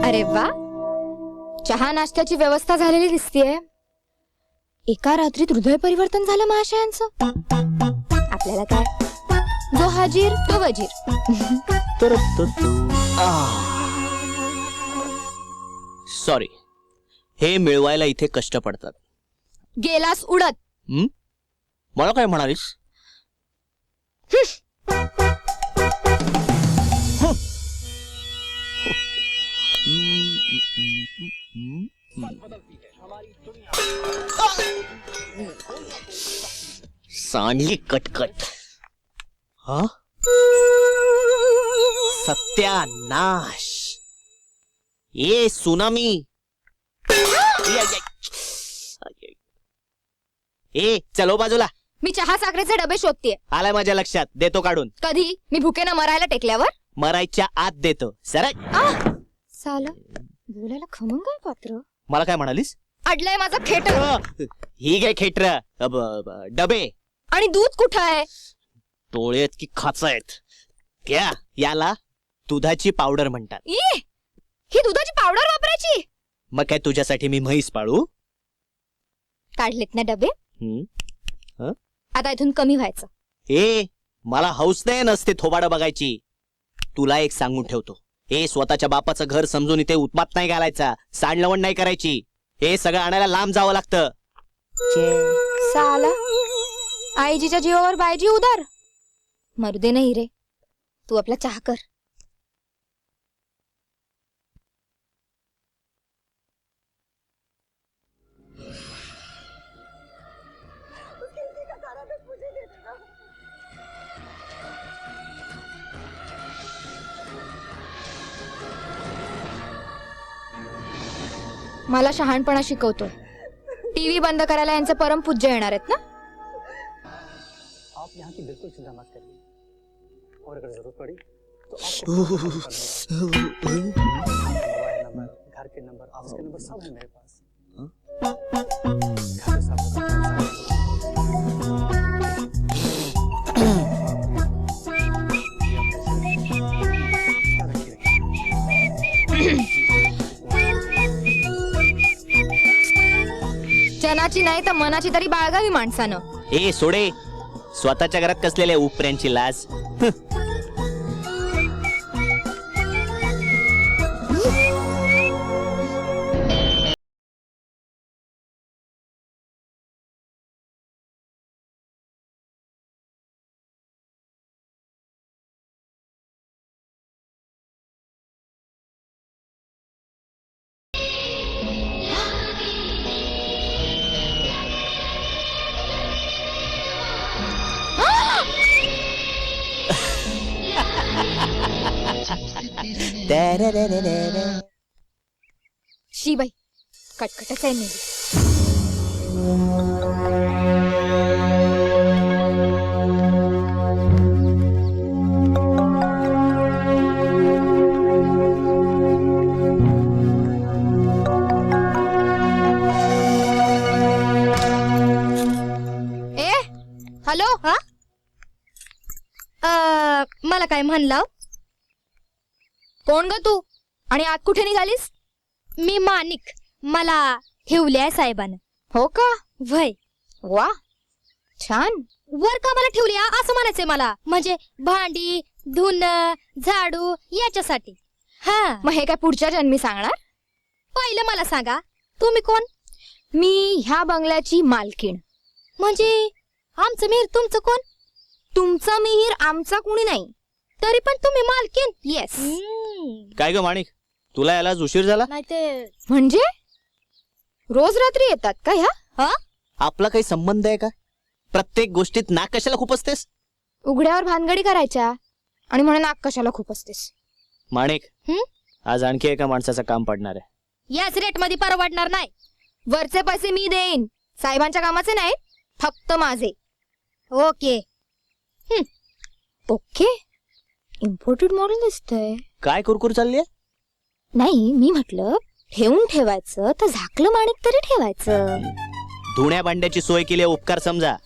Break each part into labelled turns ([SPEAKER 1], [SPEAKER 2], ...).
[SPEAKER 1] अरे वा, चहा नाश्त्याची व्यवस्था झालेली दिसतीये. एका रात्रीत हृदय परिवर्तन झालं महाशयांचं. आपल्याला काय, जो हाजीर तो वजीर.
[SPEAKER 2] सॉरी, हे मिळवायला इथे कष्ट पडतात.
[SPEAKER 1] गेलास उडत.
[SPEAKER 2] मला काय म्हणालीस? सांडली कटकट. हा, सत्यानाश. ए सुनामी. ए चलो बाजूला.
[SPEAKER 1] मी चहा साखरेचे डबे शोधतेय.
[SPEAKER 2] आलाय माझ्या लक्षात, देतो काढून.
[SPEAKER 1] कधी? मी भुकेनं मरायला टेकल्यावर?
[SPEAKER 2] मरायच्या आत देतो. सरळ.
[SPEAKER 1] साला बोलायला खमंग काय पात्र.
[SPEAKER 2] मला काय म्हणालीस?
[SPEAKER 1] अडलंय माझं खेटर.
[SPEAKER 2] ही काय खेटर? डबे.
[SPEAKER 1] आणि दूध कुठं आहे?
[SPEAKER 2] तोळेत की खाच आहेत क्या? याला दुधाची पावडर म्हणतात.
[SPEAKER 1] ही दुधाची पावडर वापरायची?
[SPEAKER 2] मग काय तुझ्यासाठी मी म्हैस पाळू?
[SPEAKER 1] काढलेत ना डबे. आता इथून कमी व्हायचं.
[SPEAKER 2] मला हौस नाही नसते थोबाडं बघायची. तुला एक सांगून ठेवतो, स्वतःच्या बापाचं घर समजून इथे उत्मात नाही घालायचा, सांडलवण नाही करायची. हे सगळं आणायला लांब जावं लागतं.
[SPEAKER 1] साला आईजीच्या जीवावर बायजी उदार. मरू दे नाही रे, तू आपला चहा कर. मला शहाणपणा शिकवतोय. टीव्ही बंद करायला यांचे परमपूज्य येणार आहेत ना?
[SPEAKER 3] आप यहाँ की बिल्कुल चिंता मत करिए, और अगर जरूरत पड़ी तो आपको मोबाइल नंबर, घर के नंबर, ऑफिस के नंबर सब है मेरे पास. घर सब
[SPEAKER 1] जनाची नाही तर मनाची तरी बाळगावी माणसानं.
[SPEAKER 2] सोडे, स्वतःच्या घरात कसलेल्या उपऱ्यांची लाज.
[SPEAKER 1] शी बाई, कटकटच आहे मेली. हॅलो. हा, मला काय म्हणलं? कोण ग तू आणि आत कुठे निघालीस?
[SPEAKER 4] मी माणिक, मला ठेवले साहेबानं.
[SPEAKER 1] हो का?
[SPEAKER 4] वय.
[SPEAKER 1] वा, छान.
[SPEAKER 4] वर कामाला ठेवली असं म्हणायचंय मला. म्हणजे भांडी धुणं झाडू याच्यासाठी. हा,
[SPEAKER 1] मग हे काय पुढच्या जन्मी सांगणार?
[SPEAKER 4] पहिलं मला सांगा, तुम्ही कोण?
[SPEAKER 1] मी ह्या बंगल्याची मालकीण.
[SPEAKER 4] म्हणजे आमचं मिहीर तुमचं कोण?
[SPEAKER 1] तुमचा मिहीर आमचा कुणी नाही.
[SPEAKER 4] तरी पण तुम्ही मालकीण?
[SPEAKER 1] येस.
[SPEAKER 2] काय ग माणिक, तुला याला उशीर झाला?
[SPEAKER 4] नाही ते
[SPEAKER 1] म्हणजे रोज रात्री येतात का ह्या?
[SPEAKER 4] हा,
[SPEAKER 2] आपला काही संबंध आहे का? प्रत्येक गोष्टीत नाक कशाला खूप असतेस?
[SPEAKER 1] उघड्यावर भानगडी करायच्या आणि म्हणून नाक कशाला खूप असतेस?
[SPEAKER 2] माणिक, आज आणखी एका माणसाचं काम पडणार आहे.
[SPEAKER 4] याच रेट मध्ये परवडणार नाही.
[SPEAKER 1] वरचे पैसे मी देईन, साहेबांच्या कामाचे नाही, फक्त माझे.
[SPEAKER 4] ओके.
[SPEAKER 1] ओके. इम्पोर्टेड मॉडेल दिसतंय.
[SPEAKER 2] काय कुरकुर चालली आहे?
[SPEAKER 1] नाही, मी म्हटलं ठेवून ठेवायचं तर झाकलं माणिक तरी ठेवायचं.
[SPEAKER 2] धुण्या भांड्याची सोय केली, उपकार समजा.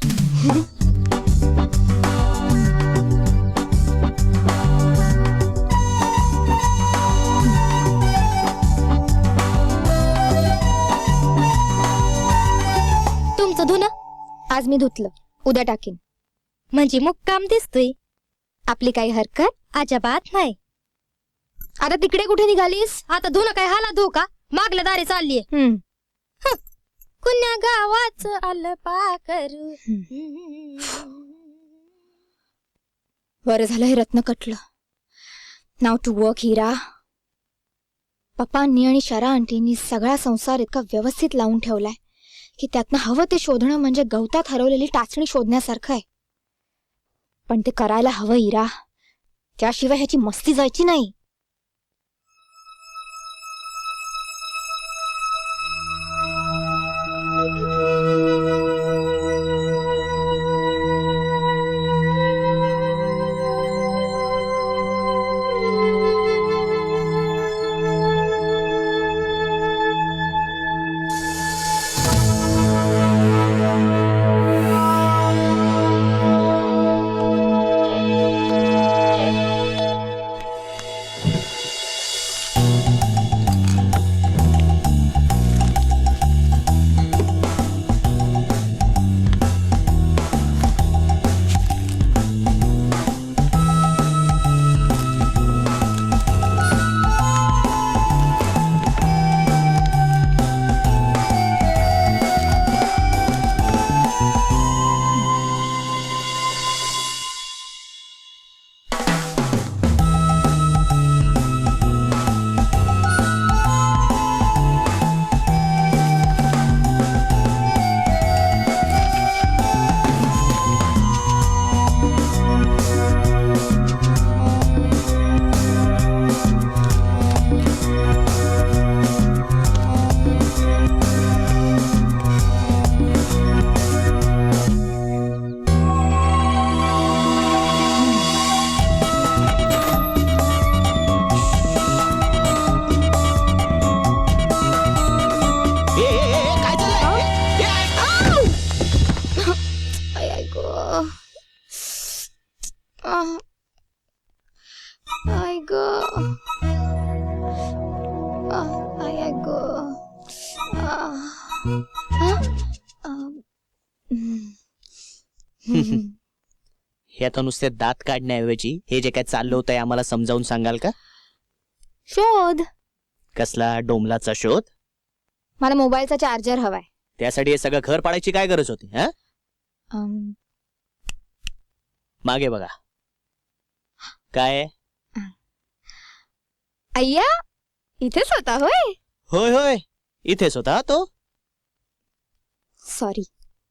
[SPEAKER 1] आज मी धुतलं, उद्या टाकीन.
[SPEAKER 4] म्हणजे मुक्काम दिसतोय.
[SPEAKER 1] आपली काही हरकत?
[SPEAKER 4] अजिबात नाही.
[SPEAKER 1] आता तिकडे कुठे निघालीस?
[SPEAKER 4] आता धुणं काय हाला धू का? मागल्या दारी चाललीये. कुण्या गावाच आलं पाकरू.
[SPEAKER 1] बरं झालं हे रत्न कटलं. नाव टू वर्क हिरा. पप्पांनी आणि शरा आंटींनी सगळा संसार इतका व्यवस्थित लावून ठेवलाय की त्यातनं हवं ते शोधणं म्हणजे गवतात हरवलेली टाचणी शोधण्यासारखं आहे. पण ते करायला हवं हिरा, त्याशिवाय ह्याची मस्ती जायची नाही.
[SPEAKER 2] काय चाललंय?
[SPEAKER 1] I I go. I go. I I go.
[SPEAKER 2] हे आता नुसते दात काढण्याऐवजी हे जे काय चाललं होतं आम्हाला समजावून सांगाल का?
[SPEAKER 1] शोध.
[SPEAKER 2] कसला डोमलाचा शोध?
[SPEAKER 1] मला मोबाईलचा चार्जर हवाय.
[SPEAKER 2] त्यासाठी हे सगळं घर पाडायची काय गरज होती? हा, मागे बघा. काय?
[SPEAKER 1] अय्या, इथेच होता होय?
[SPEAKER 2] होय होय, इथेच होता तो.
[SPEAKER 1] Sorry.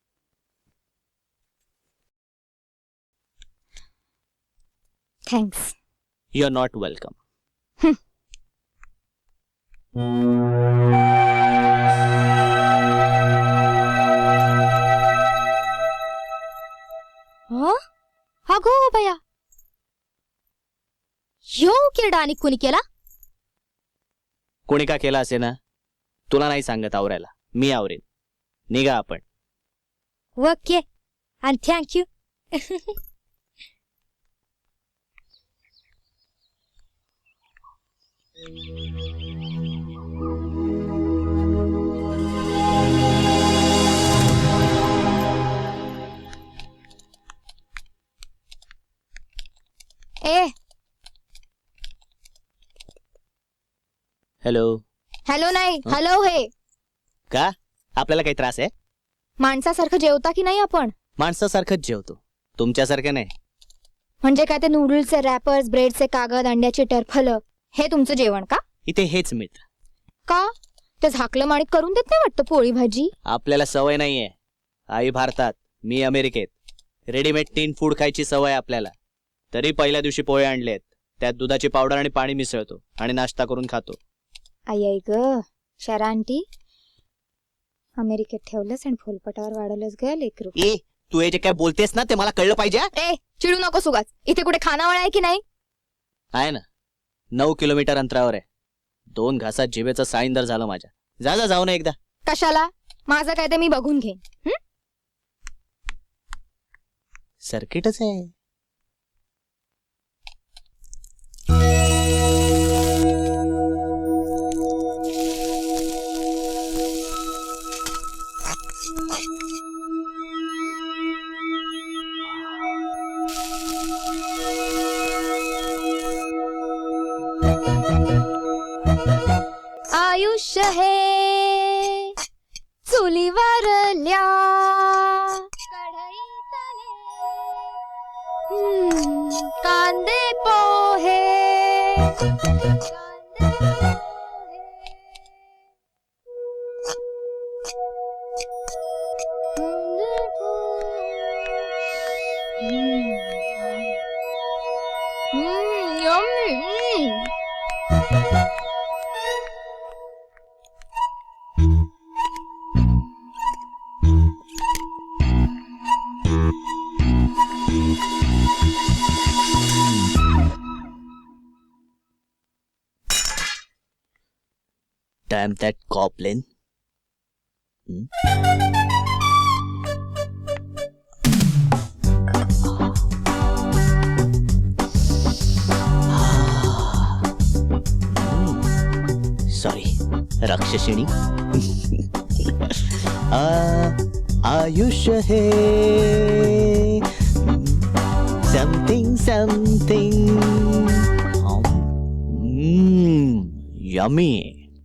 [SPEAKER 1] Thanks.
[SPEAKER 2] You are not welcome.
[SPEAKER 4] अगो बया, यो किरडा आणि कुणी केला?
[SPEAKER 2] कोणी का केला असे ना, तुला नाही सांगत आवरायला, मी आवरेन. निघा आपण.
[SPEAKER 4] ओके आणि थँक्यू.
[SPEAKER 1] ए
[SPEAKER 2] हॅलो.
[SPEAKER 1] हॅलो नाही, हॅलो. हे
[SPEAKER 2] का आपल्याला काही त्रास आहे?
[SPEAKER 1] माणसासारखं जेवता की नाही आपण?
[SPEAKER 2] माणसासारखंच जेवतो, तुमच्यासारखं नाही.
[SPEAKER 1] म्हणजे काय ते नूडल्सचे रॅपर्स, ब्रेडचे कागद, अंड्याची टरफलं, हे तुमचं जेवण का?
[SPEAKER 2] इथे हेच मिळतं.
[SPEAKER 1] का ते झाकलं माणिक करून देत नाही वाटतं पोळी भाजी?
[SPEAKER 2] आपल्याला सवय नाहीये. आई भारतात, मी अमेरिकेत. रेडीमेड टीन फूड खायची सवय आपल्याला. तरी पहिल्या दिवशी पोहे आणलेत, त्यात दुधाची पावडर आणि पाणी मिसळतो आणि नाश्ता करून खातो.
[SPEAKER 1] आई आई ग. शरा आंटी, अमेरिकेत ठेवलंस आणि फुलपटावर वाढवलंस ग लेकरू.
[SPEAKER 2] ए, तू हे जे काय बोलतेस ना ते मला कळलं पाहिजे.
[SPEAKER 1] ए चिडू नको सुगाच. इथे कुठे खानावळ आहे की नाही?
[SPEAKER 2] आहे ना, 9 किलोमीटर अंतरावर आहे. 2 घासात जिभेचं साईंदर झालं माझ्या. जा जा, जाऊ ना एकदा.
[SPEAKER 1] कशाला? माझं काय ते मी बघून घेईन.
[SPEAKER 2] सर्किटच आहे.
[SPEAKER 1] आयुष्य हे चुलीवरल्या कांदे पोहे
[SPEAKER 2] Damn that goblin. Sorry, राक्षसिणी. आयुष्य हे something something. Yummy.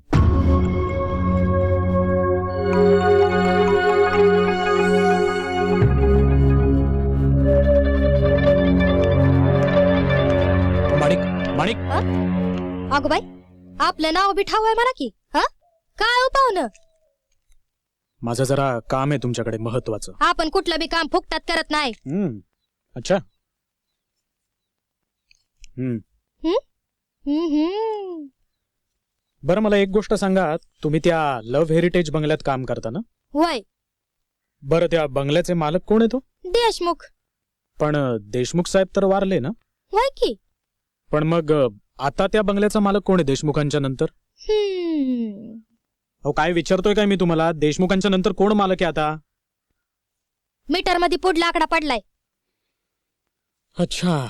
[SPEAKER 5] माणिक
[SPEAKER 4] अगो बाई आपलं नाव बी ठाव आहे म्हणा की. हा काय हो पाहुणं,
[SPEAKER 5] माझं जरा काम आहे तुमच्याकडे महत्वाचं.
[SPEAKER 4] आपण कुठलं बी काम फुकटात करत नाही.
[SPEAKER 5] अच्छा. बरं मला एक गोष्ट सांगा, तुम्ही त्या लव्ह हेरिटेज बंगल्यात काम करता ना?
[SPEAKER 4] वय
[SPEAKER 5] बरं त्या बंगल्याचे मालक कोण आहे तो?
[SPEAKER 4] देशमुख.
[SPEAKER 5] पण देशमुख साहेब तर वारले ना?
[SPEAKER 4] वय की.
[SPEAKER 5] पण मग आता त्या बंगल्याचा मालक कोण आहे देशमुखांच्या नंतर? अहो काय विचारतोय काय मी तुम्हाला, देशमुखांच्या नंतर कोण मालक आहे आता?
[SPEAKER 4] मीटर मध्ये पुढला आकडा पडलाय.
[SPEAKER 5] अच्छा.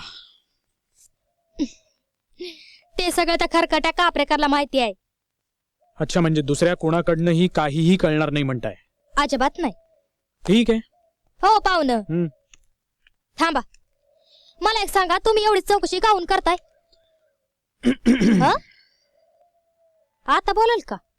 [SPEAKER 4] ते सगळं त्या खरकट्या कापरेकरला माहिती आहे.
[SPEAKER 5] अच्छा म्हणजे दुसऱ्या कोणाकडनंही काहीही कळणार नाही म्हणताय?
[SPEAKER 4] अजिबात नाही.
[SPEAKER 5] ठीक आहे.
[SPEAKER 4] हो पाहुणं थांबा, मला एक सांगा, तुम्ही एवढी चौकशी काहून करताय? हं? आता बोलाल का?